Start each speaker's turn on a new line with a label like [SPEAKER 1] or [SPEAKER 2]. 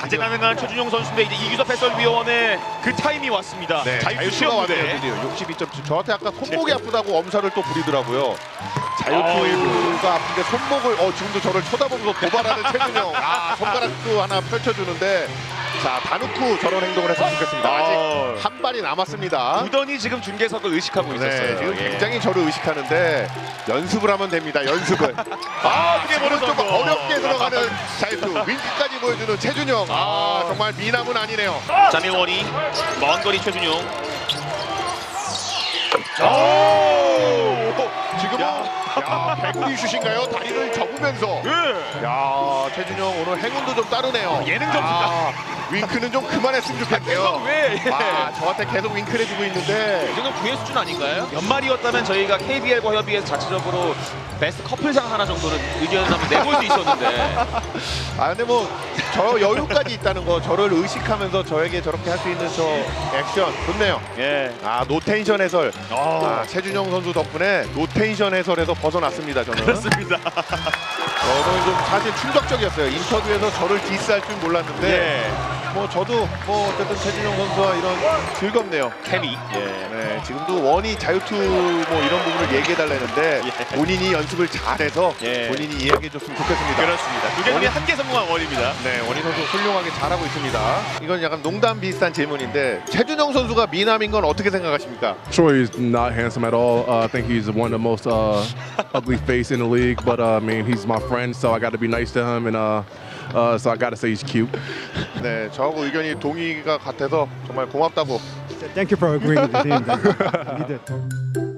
[SPEAKER 1] 다재다능한 최준용 선수인데 이제 이규섭 해설위원의 그 타임이 왔습니다.
[SPEAKER 2] 네,
[SPEAKER 1] 자유투
[SPEAKER 2] 자유투가
[SPEAKER 1] 시험
[SPEAKER 2] 왔네요.
[SPEAKER 1] 무대.
[SPEAKER 2] 드디어 62.7. 저한테 아까 손목이 아프다고 엄살을 또 부리더라고요.
[SPEAKER 1] 일부.
[SPEAKER 2] 자유투가 아픈데 손목을 지금도 저를 쳐다보면서 도발하는 최준영. 손가락도 하나 펼쳐주는데 자, 다 놓고 저런 행동을 했으면 좋겠습니다. 아직 한 발이 남았습니다.
[SPEAKER 1] 무던히 지금 중계석을 의식하고 있었어요.
[SPEAKER 2] 지금
[SPEAKER 1] 예.
[SPEAKER 2] 굉장히 저를 의식하는데 연습을 하면 됩니다. 연습을.
[SPEAKER 1] 그게
[SPEAKER 2] 지금은 좀
[SPEAKER 1] 성공.
[SPEAKER 2] 어렵게 들어가는 자유투 윙크까지 보여주는 최준영. 정말 미남은 아니네요.
[SPEAKER 1] 자밀원이 먼 거리 최준용.
[SPEAKER 2] 지금은 배구리 슛인가요? 다리를 접으면서. 야, 최준영 오늘 행운도 좀 따르네요.
[SPEAKER 1] 예능 점수가.
[SPEAKER 2] 윙크는 좀 그만했으면 좋겠네요.
[SPEAKER 1] 왜?
[SPEAKER 2] 저한테 계속 윙크를 해주고 있는데.
[SPEAKER 3] 이거는 구회 수준 아닌가요?
[SPEAKER 1] 연말이었다면 저희가 KBL과 협의해서 자체적으로 베스트 커플상 하나 정도는 의견을 한번 내볼 수 있었는데
[SPEAKER 2] 근데 뭐 저 여유까지 있다는 거, 저를 의식하면서 저에게 저렇게 할 수 있는 저 액션 좋네요.
[SPEAKER 1] 예.
[SPEAKER 2] 노텐션 해설. 최준영 선수 덕분에 노텐션 해설에서 벗어났습니다. 저는.
[SPEAKER 1] 그렇습니다.
[SPEAKER 2] 오늘 좀 사실 충격적이었어요. 인터뷰에서 저를 디스할 줄 몰랐는데
[SPEAKER 1] 예.
[SPEAKER 2] 뭐 저도 뭐 어쨌든 최준영 선수와 이런 즐겁네요.
[SPEAKER 1] 케미. 예.
[SPEAKER 2] 네, 지금도 원이 자유투 뭐 이런 부분을 얘기해달라는데
[SPEAKER 1] 예.
[SPEAKER 2] 본인이 연습을 잘해서
[SPEAKER 1] 예.
[SPEAKER 2] 본인이 이야기해줬으면 좋겠습니다.
[SPEAKER 1] 그렇습니다. 두 개 중에 한 개 성공한 원입니다.
[SPEAKER 2] 네, 원희 선수 훌륭하게 잘하고 있습니다. 이건 약간 농담 비슷한 질문인데 최준영 선수가 미남인 건 어떻게 생각하십니까?
[SPEAKER 4] Sure, he's not handsome at all. I think he's one of the most ugly face in the league. But I mean, he's my friend, so I got to be nice to him, and so I got to say he's cute.
[SPEAKER 2] 네, 저하고 의견이 동의가 같아서 정말 고맙다고.
[SPEAKER 5] Thank you for agreeing with him. You did.